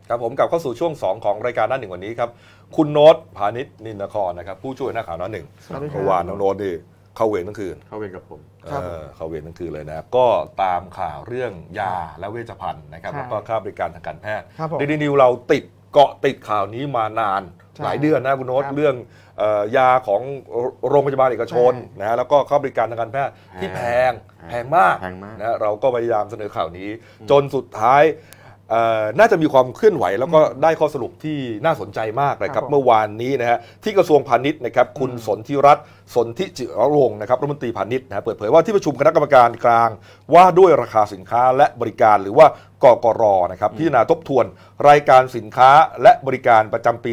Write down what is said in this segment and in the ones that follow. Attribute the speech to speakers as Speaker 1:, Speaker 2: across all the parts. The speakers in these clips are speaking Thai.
Speaker 1: ครับผมกลับเข้าสู่ช่วง2ของรายการหน้าหนึ่งวันนี้ครับคุณโน้ตพานิชนินนครนะครับผู้ช่วยหน้าข่าวหน้าหนึ่งเมื่อวานน้องโน้ตนี่เข้าเวรทั้งคืน
Speaker 2: เข้าเวรกับผม
Speaker 1: เข้าเวรทั้งคืนเลยนะก็ตามข่าวเรื่องยาและเวชภัณฑ์นะครับแล้วก็ค่าบริการทางการแพทย์เดลินิวเราเกาะติดข่าวนี้มานานหลายเดือนนะคุณโน้ตเรื่องยาของโรงพยาบาลเอกชนนะแล้วก็ค่าบริการทางการแพทย์ที่แพงมากนะเราก็พยายามเสนอข่าวนี้จนสุดท้ายน่าจะมีความเคลื่อนไหวแล้วก็ได้ข้อสรุปที่น่าสนใจมากนะครับเมื่อวานนี้นะฮะที่กระทรวงพาณิชย์นะครับคุณสนธิรัตน์สนธิจิรวงศ์นะครับรัฐมนตรีพาณิชย์นะเปิดเผยว่าที่ประชุมคณะกรรมการกลางว่าด้วยราคาสินค้าและบริการหรือว่ากกร.นะครับพิจารณาทบทวนรายการสินค้าและบริการประจำปี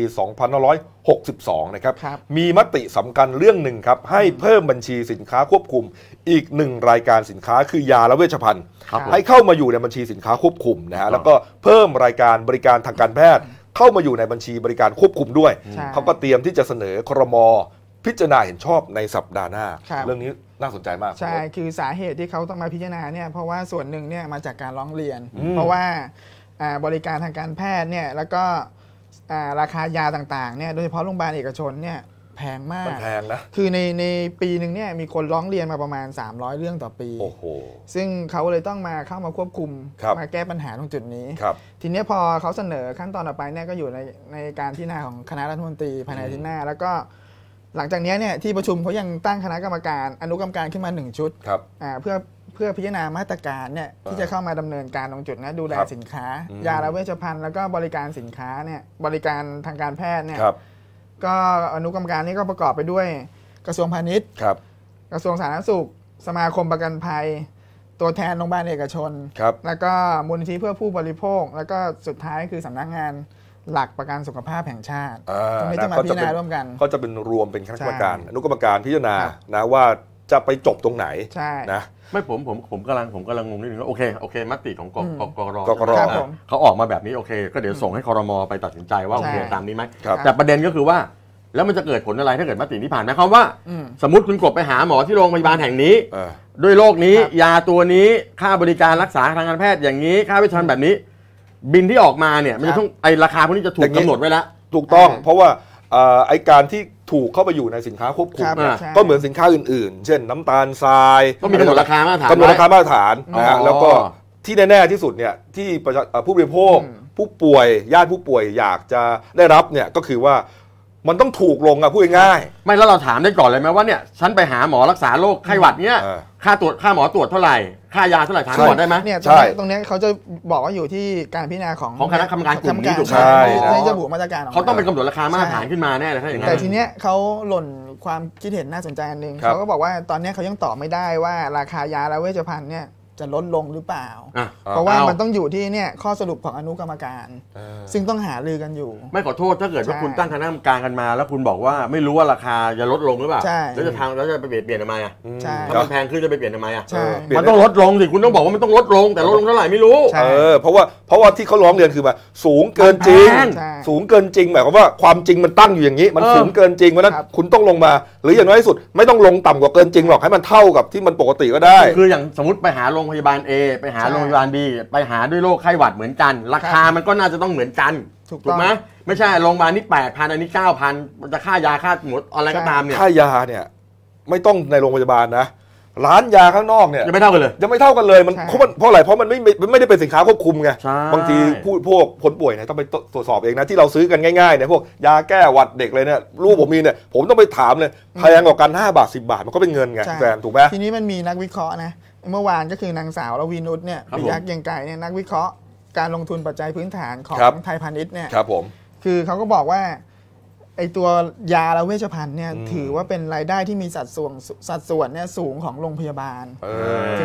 Speaker 1: 2562 นะครับมีมติสำคัญเรื่องหนึ่งครับให้เพิ่มบัญชีสินค้าควบคุมอีก1รายการสินค้าคือยาและเวชภัณฑ์ให้เข้ามาอยู่ในบัญชีสินค้าควบคุมนะฮะแล้วก็เพิ่มรายการบริการทางการแพทย์เข้ามาอยู่ในบัญชีบริการควบคุมด้วยเขาก็เตรียมที่จะเสนอครม.พิจารณาเห็นชอบในสัปดาห์หน้าเรื่องนี้น่าสนใจมาก
Speaker 3: ใช่คือสาเหตุที่เขาต้องมาพิจารณาเนี่ยเพราะว่าส่วนหนึ่งเนี่ยมาจากการร้องเรียนเพราะว่าบริการทางการแพทย์เนี่ยแล้วก็ราคายาต่างๆเนี่ยโดยเฉพาะโรงพยาบาลเอกชนเนี่ยแพงมาก
Speaker 1: แพงนะ
Speaker 3: คือในปีหนึ่งเนี่ยมีคนร้องเรียนมาประมาณ300เรื่องต่อปี
Speaker 1: โอ้โห
Speaker 3: ซึ่งเขาเลยต้องมาเข้ามาควบคุมมาแก้ปัญหาตรงจุดนี้ทีนี้พอเขาเสนอขั้นตอนต่อไปเนี่ยก็อยู่ในการพิจารณาของคณะรัฐมนตรีภายในอาทิตย์หน้าแล้วก็หลังจากนี้เนี่ยที่ประชุมเขายังตั้งคณะกรรมการอนุกรรมการขึ้นมา1ชุดเพื่อพิจารณามาตรการเนี่ยที่จะเข้ามาดำเนินการตรงจุดนะดูแลสินค้ายาและเวชภัณฑ์แล้วก็บริการสินค้าเนี่ยบริการทางการแพทย์เนี่ยก็อนุกรรมการนี้ก็ประกอบไปด้วยกระทรวงพาณิชย์กระทรวงสาธารณสุขสมาคมประกันภัยตัวแทนโรงพยาบาลเอกชนแล้วก็มูลนิธิเพื่อผู้บริโภคแล้วก็สุดท้ายคือสำนักงานหลักประกันสุขภาพแห่งชาติตรงนี้จะมาพิจารณาร่วมกัน
Speaker 1: ก็จะเป็นรวมเป็นคณะกรรมการอนุกรรมการพิจารณานะว่าจะไปจบตรงไหนนะ
Speaker 2: ไม่ผมกำลังงงนิดนึงว่าโอเคมติของกร.เขาออกมาแบบนี้โอเคก็เดี๋ยวส่งให้ครม.ไปตัดสินใจว่าโอเคตามนี้ไหมแต่ประเด็นก็คือว่าแล้วมันจะเกิดผลอะไรถ้าเกิดมตินี้ผ่านไหมครับว่าสมมติคุณกบไปหาหมอที่โรงพยาบาลแห่งนี้ด้วยโรคนี้ยาตัวนี้ค่าบริการรักษาทางการแพทย์อย่างนี้ค่าเวชภัณฑ์แบบนี้บินที่ออกมาเนี่ยมันจะต้องไอราคาพวกนี้จะถูกกำหนดไว้แล้ว
Speaker 1: ถูกต้องเพราะว่าไอการที่ถูกเข้าไปอยู่ในสินค้าควบคุมก็เหมือนสินค้าอื่นๆเช่นน้ำตาลทราย
Speaker 2: ก็มีกำหนดราคามาตรฐาน
Speaker 1: นะฮะแล้วก็ที่แน่ๆที่สุดเนี่ยที่ผู้บริโภคผู้ป่วยญาติผู้ป่วยอยากจะได้รับเนี่ยก็คือว่ามันต้องถูกลงอะพูดง่าย
Speaker 2: ๆไม่แล้วเราถามได้ก่อนเลยไหมว่าเนี่ยฉันไปหาหมอรักษาโรคไข้หวัดเนี่ยค่าหมอตรวจเท่าไหร่ค่ายาเท่าไหร่ถามก่อนได้ไหม
Speaker 3: เนี่ยตรงนี้เขาจะบอกว่าอยู่ที่การพิจารณาของ
Speaker 2: คณะกรรมการกลุ่มนี้ถูกไหม
Speaker 3: ที่จะบุมาตรการ
Speaker 2: เขาต้องเป็นกำหนดราคามาตรฐานขึ้นมาแน่เลยถ้าอย่างนั้น
Speaker 3: แต่ทีเนี้ยเขาหล่นความคิดเห็นน่าสนใจอันนึงเขาก็บอกว่าตอนนี้เขายังตอบไม่ได้ว่าราคายาและเวชภัณฑ์เนี่ยจะลดลงหรือเปล่าเพราะว่ามันต้องอยู่ที่เนี่ยข้อสรุปของอนุกรรมการซึ่งต้องหารือกันอยู่
Speaker 2: ไม่ขอโทษถ้าเกิดว่าคุณตั้งคณะกรรมการกันมาแล้วคุณบอกว่าไม่รู้ว่าราคาจะลดลงหรือเปล่าแล้วจะไปเปลี่ยนทำไมอ่ะถ้ามันแพงขึ้นจะไปเปลี่ยนทำไมอ่ะมันต้องลดลงสิคุณต้องบอกว่ามันต้องลดลงแต่ลดลงเท่าไหร่ไม่รู้
Speaker 1: เพราะว่าที่เขาร้องเรียนคือว่าสูงเกินจริงหมายความว่าความจริงมันตั้งอยู่อย่างนี้มันสูงเกินจริงเพราะนั้นคุณต้องลงมาหรืออย่างน้อยที่สุดไม่ต้องลงต่ำกว่าเกินจริงหรอกให้มันเท่ากับที่มันปกติก็ได้
Speaker 2: คืออย่างสมมติไปหาโรงพยาบาล A ไปหาโรงพยาบาล B ไปหาด้วยโรคไข้หวัดเหมือนกันราคามันก็น่าจะต้องเหมือนกันถูกไหมไม่ใช่โรงพยาบาลนี้ 8,000 อันนี้ 9,000 มันจะค่ายาค่าหมดอะไรก็ตามเนี่ย
Speaker 1: ค่ายาเนี่ยไม่ต้องในโรงพยาบาลนะร้านยาข้างนอกเนี่ย
Speaker 2: ยังไม่เท่ากัน
Speaker 1: เลยมันเพราะอะไรเพราะมันไม่ได้เป็นสินค้าควบคุมไงบางทีพวกคนป่วยเนี่ยต้องไปตรวจสอบเองนะที่เราซื้อกันง่ายๆเนี่ยพวกยาแก้หวัดเด็กเลยเนี่ยลูกผมมีเนี่ยผมต้องไปถามเลยแพงกว่ากัน5 บาท 10 บาทมันก็เป็นเงินไงแฟนถูกไหม
Speaker 3: ทีนี้มันมีนักวิเคราะห์นะเมื่อวานก็คือนางสาวรวีนุชเนี่ยปิยะเกียงไก่เนี่ยนักวิเคราะห์การลงทุนปัจจัยพื้นฐานของไทยพาณิชย์เนี่ยคือเขาก็บอกว่าไอตัวยาและเวชภัณฑ์เนี่ยถือว่าเป็นรายได้ที่มีสัดส่วนเนี่ยสูงของโรงพยาบาลถึง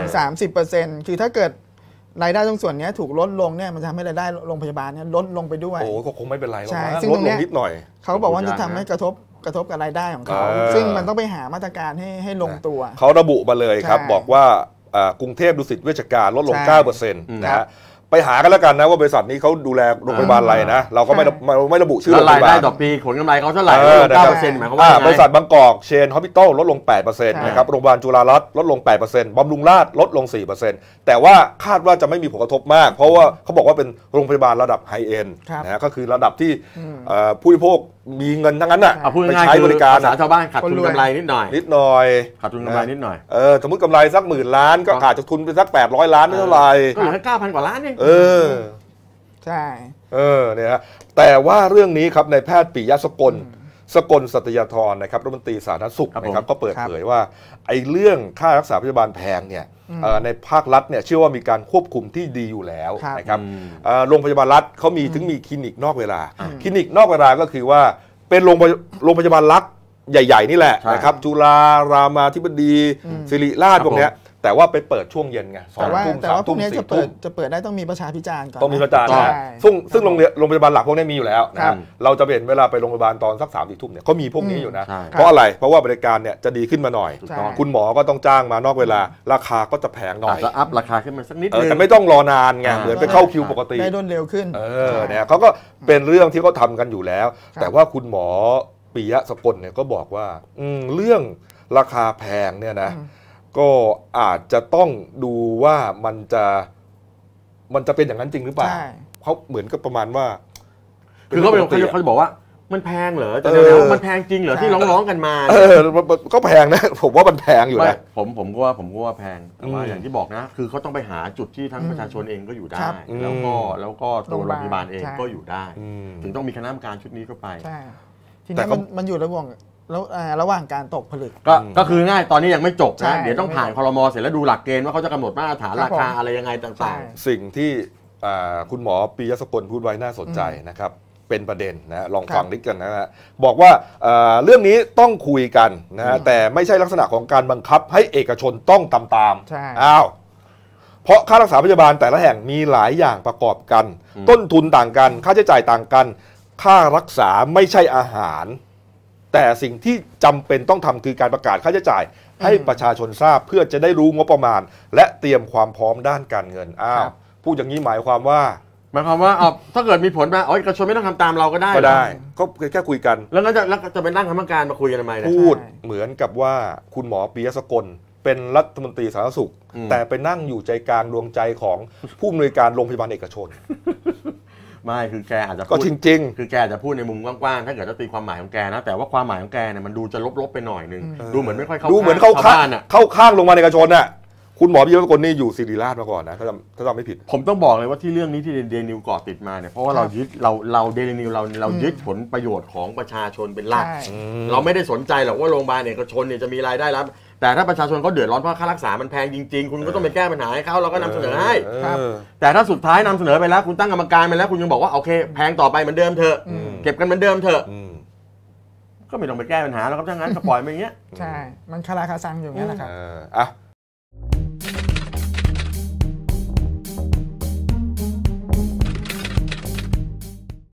Speaker 3: 30% คือถ้าเกิดรายได้ตรงส่วนนี้ถูกลดลงเนี่ยมันจะทำให้รายได้โรงพยาบาลเนี่ยลดลงไปด้วย
Speaker 1: โอ้ก็คงไม่เป็นไรหรอก
Speaker 3: ซึ่งตรงนี้
Speaker 1: นิดหน่อย
Speaker 3: เขาบอกว่าจะทำให้กระทบกับรายได้ของเขาซึ่งมันต้องไปหามาตรการให้ลงตัว
Speaker 1: เขาระบุมาเลยครับบอกว่ากรุงเทพดุสิตเวชการลดลง 9% นะฮะไปหากันแล้วกันนะว่าบริษัทนี้เขาดูแลโรงพยาบาลอะไรนะเราก็ไม่ระบุชื่อโรงพยาบาล
Speaker 2: รายได้ต่อปีผลกำไรเขาเท่าไหร่9%หมายความว่า
Speaker 1: บริษัทบางกอกเชนฮอสพิทอลลดลง 8% นะครับโรงพยาบาลจุฬารัตน์ลดลง 8% บำรุงราษฎร์ลดลง 4% แต่ว่าคาดว่าจะไม่มีผลกระทบมากเพราะว่าเขาบอกว่าเป็นโรงพยาบาลระดับไฮเอ็นด์นะก็คือระดับที่ผู้บริโภคมีเงินทั้งนั้นน่ะไปใช้บริการ
Speaker 2: ภาษาชาวบ้านขาดทุนกำไรนิดหน่อยขาดทุนกำไรนิดหน่อย
Speaker 1: สมมติกำไรสัก10,000 ล้านก็อาจจะทุนไปสัก800 ล้านไม่เท่าไหร่
Speaker 2: ก็เหลือแค่ 9,000 กว่าล้านเอง
Speaker 3: ใช่
Speaker 1: เนี่ยฮะแต่ว่าเรื่องนี้ครับนายแพทย์ปิยะสกลสัตยาธรนะครับรัฐมนตรีสาธารณสุขนะครับก็เปิดเผยว่าไอ้เรื่องค่ารักษาพยาบาลแพงเนี่ยในภาครัฐเนี่ยเชื่อว่ามีการควบคุมที่ดีอยู่แล้วนะครับโรงพยาบาลรัฐเขามีถึงมีคลินิกนอกเวลาคลินิกนอกเวลาก็คือว่าเป็นโรงพยาบาลรัฐใหญ่ๆนี่แหละนะครับจุฬารามาธิบดีศิริราชพวกเนี้ยแต่ว่าไปเปิดช่วงเย็นไง2 ทุ่ม3 ทุ่ม4 ทุ่ม
Speaker 3: จะเปิดได้ต้องมีประชาพิจารณ์ก่อน
Speaker 1: ต้องมีประชาพิจารณ์ซึ่งโรงพยาบาลหลักพวกนี้มีอยู่แล้วนะเราจะเห็นเวลาไปโรงพยาบาลตอนสัก3-4 ทุ่มเนี่ยเขามีพวกนี้อยู่นะเพราะอะไรเพราะว่าบริการเนี่ยจะดีขึ้นมาหน่อยคุณหมอก็ต้องจ้างมานอกเวลาราคาก็จะแพงหน่อย
Speaker 2: จะอัพราคาขึ้นมาสักนิดนึง
Speaker 1: แต่ไม่ต้องรอนานไงเหมือนไปเข้าคิวปกติ
Speaker 3: ได้รวดเร็วขึ้น
Speaker 1: เนี่ยเขาก็เป็นเรื่องที่เขาทำกันอยู่แล้วแต่ว่าคุณหมอปิยะสกลเนี่ยก็บอกว่าเรื่องราคาแพงเนี่ยนะก็อาจจะต้องดูว่ามันจะเป็นอย่างนั้นจริงหรือเปล่าเขาเหมือนกับประมาณว่า
Speaker 2: คือเขาจะบอกว่ามันแพงเหรอแต่แล้วมันแพงจริงเหรอที่ร้องกันมา
Speaker 1: ก็แพงนะผมว่ามันแพงอยู่นะ
Speaker 2: ผมก็ว่าแพงแต่ว่าอย่างที่บอกนะคือเขาต้องไปหาจุดที่ทั้งประชาชนเองก็อยู่ได้แล้วก็ตัวโรงพยาบาลเองก็อยู่ได้ถึงต้องมีคณะกรรมการชุดนี้เข้าไป
Speaker 3: ทีนี้มันอยู่ระหว่างการตกผลึก
Speaker 2: ก็คือง่ายตอนนี้ยังไม่จบนะเดี๋ยวต้องผ่านครม.เสร็จแล้วดูหลักเกณฑ์ว่าเขาจะกำหนดมาตรฐานราคาอะไรยังไงต่าง
Speaker 1: ๆสิ่งที่คุณหมอปิยะสกลพูดไว้น่าสนใจนะครับเป็นประเด็นนะลองฟังนิดกันนะฮะบอกว่าเรื่องนี้ต้องคุยกันนะแต่ไม่ใช่ลักษณะของการบังคับให้เอกชนต้องตามเพราะค่ารักษาพยาบาลแต่ละแห่งมีหลายอย่างประกอบกันต้นทุนต่างกันค่าใช้จ่ายต่างกันค่ารักษาไม่ใช่อาหารแต่สิ่งที่จำเป็นต้องทำคือการประกาศค่าใช้จ่ายให้ประชาชนทราบเพื่อจะได้รู้งบประมาณและเตรียมความพร้อมด้านการเงินพูดอย่างนี้หมายความว่า
Speaker 2: ถ้าเกิดมีผลมาเอกชนไม่ต้องทำตามเราก็ได้
Speaker 1: ก็แค่คุยกัน
Speaker 2: แล้วจะเป็นตั้งคณะกรรมการมาคุยกันทำไม
Speaker 1: พูดเหมือนกับว่าคุณหมอปิยะสกลเป็นรัฐมนตรีสาธารณสุขแต่ไปนั่งอยู่ใจกลางดวงใจของผู้อำนวยการโรงพยาบาลเอกชน
Speaker 2: ไม่คือแกอาจจะ
Speaker 1: ก็จริง
Speaker 2: ๆคือแกจะพูดในมุมกว้างๆถ้าเกิดจะตีความหมายของแกนะแต่ว่าความหมายของแกเนี่ยมันดูจะลบๆไปหน่อยนึงดูเหมือนไม่ค่อยเข้า
Speaker 1: ข้างลงมาในเอกชนน่ะคุณหมอปิยะสกลนี่อยู่ศิริราชมาก่อนนะถ้าจำไม่ผิด
Speaker 2: ผมต้องบอกเลยว่าที่เรื่องนี้ที่เดนิวเกาะติดมาเนี่ยเพราะว่าเราเดนิวเรายึดผลประโยชน์ของประชาชนเป็นหลักเราไม่ได้สนใจหรอกว่าโรงพยาบาลเอกชนเนี่ยจะมีรายได้รับแต่ถ้าประชาชนเขาเดือดร้อนเพราะค่ารักษามันแพงจริงๆคุณก็ต้องไปแก้ปัญหาให้เขาเราก็นำเสนอให้แต่ถ้าสุดท้ายนำเสนอไปแล้วคุณตั้งกรรมการไปแล้วคุณยังบอกว่าโอเคแพงต่อไปเหมือนเดิมเถอะเก็บกันเหมือนเดิมเถอะก็ไม่ต้องไปแก้ปัญหาแล้วครับถ้างั้นก็ปล่อยไปอย่างเงี้ย
Speaker 3: ใช่มันคาราคาซังอยู่งั้นแหละครับ